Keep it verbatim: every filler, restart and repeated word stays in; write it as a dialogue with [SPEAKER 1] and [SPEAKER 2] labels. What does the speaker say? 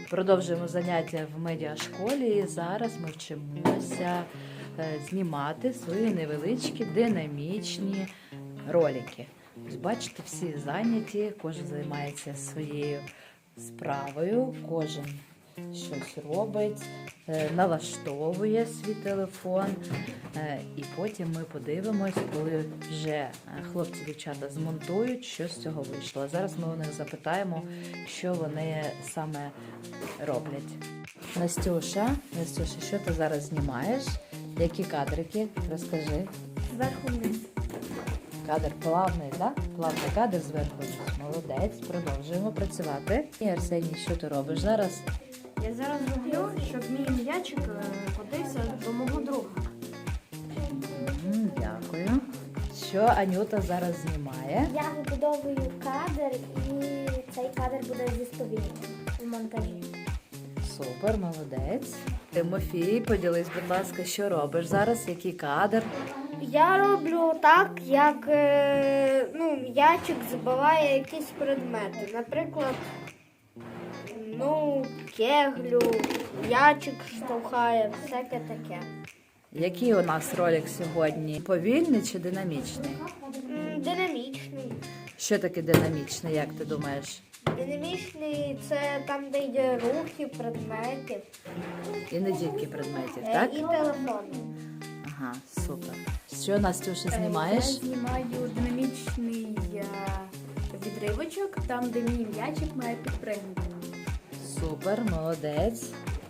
[SPEAKER 1] Продовжуємо заняття в медіашколі і зараз ми вчимося знімати свої невеличкі динамічні ролики. Ось бачите, всі зайняті, кожен займається своєю справою, кожен щось робить, налаштовує свій телефон. І потім ми подивимось, коли вже хлопці-дівчата змонтують, що з цього вийшло. А зараз ми у них запитаємо, що вони саме роблять. Настюша, Настюша, що ти зараз знімаєш? Які кадрики? Розкажи.
[SPEAKER 2] Зверху вниз.
[SPEAKER 1] Кадр плавний, так? Да? Плавний кадр зверху вниз. Молодець. Продовжуємо працювати. І Арсеній, що ти робиш зараз?
[SPEAKER 2] Я зараз роблю, щоб мій м'ячик котився до мого друга.
[SPEAKER 1] М, Дякую. Що Анюта зараз знімає?
[SPEAKER 3] Я вибудовую кадр, і цей кадр буде зі сповільненням у монтажі.
[SPEAKER 1] Супер, молодець. Тимофій, поділись, будь ласка, що робиш зараз? Який кадр?
[SPEAKER 2] Я роблю так, як е, ну, м'ячик забиває якісь предмети. Наприклад, ну, кеглю, м'ячик штовхає, всяке таке.
[SPEAKER 1] Який у нас ролик сьогодні? Повільний чи динамічний?
[SPEAKER 2] М, Динамічний.
[SPEAKER 1] Що таке динамічний, як ти думаєш?
[SPEAKER 2] Динамічний – це там, де йде рухи, предметів
[SPEAKER 1] І не тільки предметів,
[SPEAKER 2] е,
[SPEAKER 1] так?
[SPEAKER 2] і телефон.
[SPEAKER 1] Ага, супер. Що, Настюша, знімаєш?
[SPEAKER 4] Я знімаю динамічний е, відривочок, там, де мій м'ячик має підпригнути.
[SPEAKER 1] Супер, молодець.